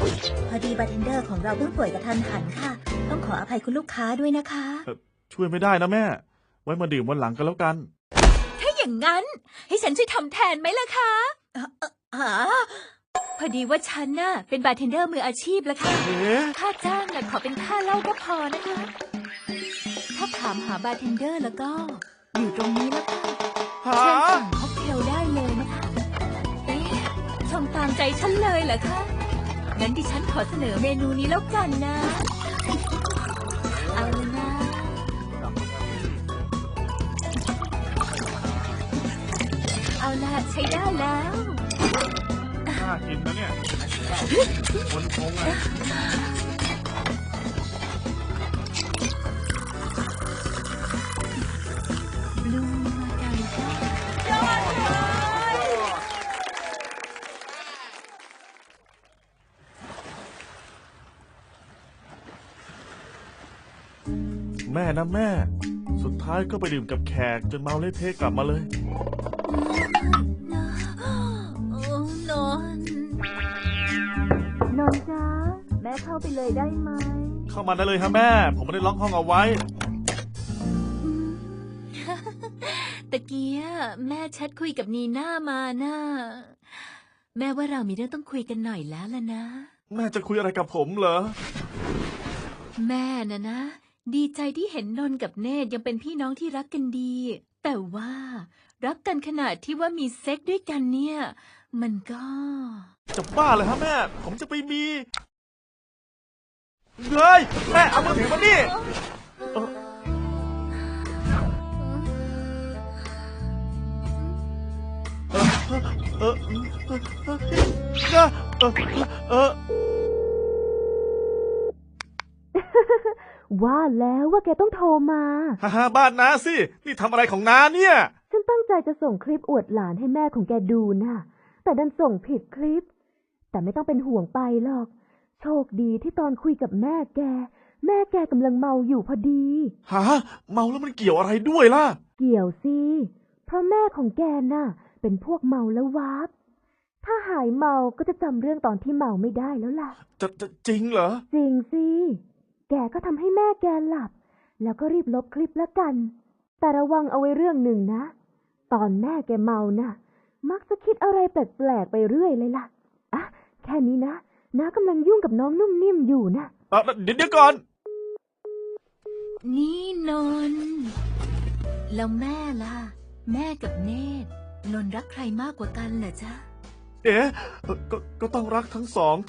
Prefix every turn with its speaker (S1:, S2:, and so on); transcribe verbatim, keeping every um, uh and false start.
S1: พอดีบาร์เทนเดอร์ของเราเพิ่งป่วยกระทันหันค่ะต้องขออภัยคุณลูกค้าด้วยนะคะ
S2: ช่วยไม่ได้นะแม่ไว้มาดื่มวันหลังกันแล้วกัน
S3: ถ้าอย่างนั้นให้ฉันช่วยทำแทนไหมล่ะคะ
S1: อ๋อ
S3: พอดีว่าฉันน่ะเป็นบาร์เทนเดอร์มืออาชีพแล้วค่ะค่าจ้างน่ะขอเป็นค่าเหล้าก็พอนะคะถ้าถามหาบาร์เทนเดอร์แล้วก็อยู่ตรงนี้แล้วค่ะเชิญสั่งค็อกเทลได้เลยนะคะเอ๊ะชมตามใจฉันเลยเหรอคะงั้นดิฉันขอเสนอเมนูนี้แล้วกันนะเอาเลยนะเอาล่ะใช้ได้แล้ว
S2: น่ากินนะเนี่ยคนคงอ่ะ
S3: บลูมาการิต้ายอดเลย
S2: แม่นะแม่สุดท้ายก็ไปดื่มกับแขกจนเมาเละเทะกลับมาเลย
S3: นนนนจ้าแม่เข้าไปเลยได้ไหม
S2: เข้ามาได้เลยฮะแม่ผมไม่ได้ล็อกห้องเอาไว้
S3: ตะเกียแม่แชทคุยกับนีน่ามาน่ะแม่ว่าเรามีเรื่องต้องคุยกันหน่อยแล้วล่ะนะ
S2: แม่จะคุยอะไรกับผมเหรอ
S3: แม่น่ะนะดีใจที่เห็นนนกับเนตรยังเป็นพี่น้องที่รักกันดีแต่ว่ารักกันขนาดที่ว่ามีเซ็กด้วยกันเนี่ยมันก็
S2: จะบ้าเลยฮะแม่ผมจะไปมีเฮ้ยแม่เอามือถือมาดิเออเออเออเออ
S4: ว่าแล้วว่าแกต้องโทรมา
S2: ฮ่าฮ่าบ้านน้าสินี่ทำอะไรของน้าเนี่ย
S4: ฉันตั้งใจจะส่งคลิปอวดหลานให้แม่ของแกดูนะแต่ดันส่งผิดคลิปแต่ไม่ต้องเป็นห่วงไปหรอกโชคดีที่ตอนคุยกับแม่แกแม่แกกำลังเมาอยู่พอดี
S2: ฮะเมาแล้วมันเกี่ยวอะไรด้วยล่ะ
S4: เกี่ยวสิเพราะแม่ของแกน่ะเป็นพวกเมาแล้ววาบถ้าหายเมาก็จะจำเรื่องตอนที่เมาไม่ได้แล้วล่ะ
S2: จะจะจริงเหรอ
S4: จริงสิแกก็ทำให้แม่แกหลับแล้วก็รีบลบคลิปแล้วกันแต่ระวังเอาไว้เรื่องหนึ่งนะตอนแม่แกเมาน่ะมักจะคิดอะไรแปลกๆไปเรื่อยเลยล่ะอ่ะแค่นี้นะน้ากำลังยุ่งกับน้องนุ่มนิ่มอยู่นะ
S2: เออเดี๋ยวเดี๋ยวก่อน
S3: นี่นนแล้วแม่ล่ะแม่กับเนตรนนรักใครมากกว่ากันเหรอจ๊ะ
S2: เอ๊ะก็ก็ต้องรักทั้งสอง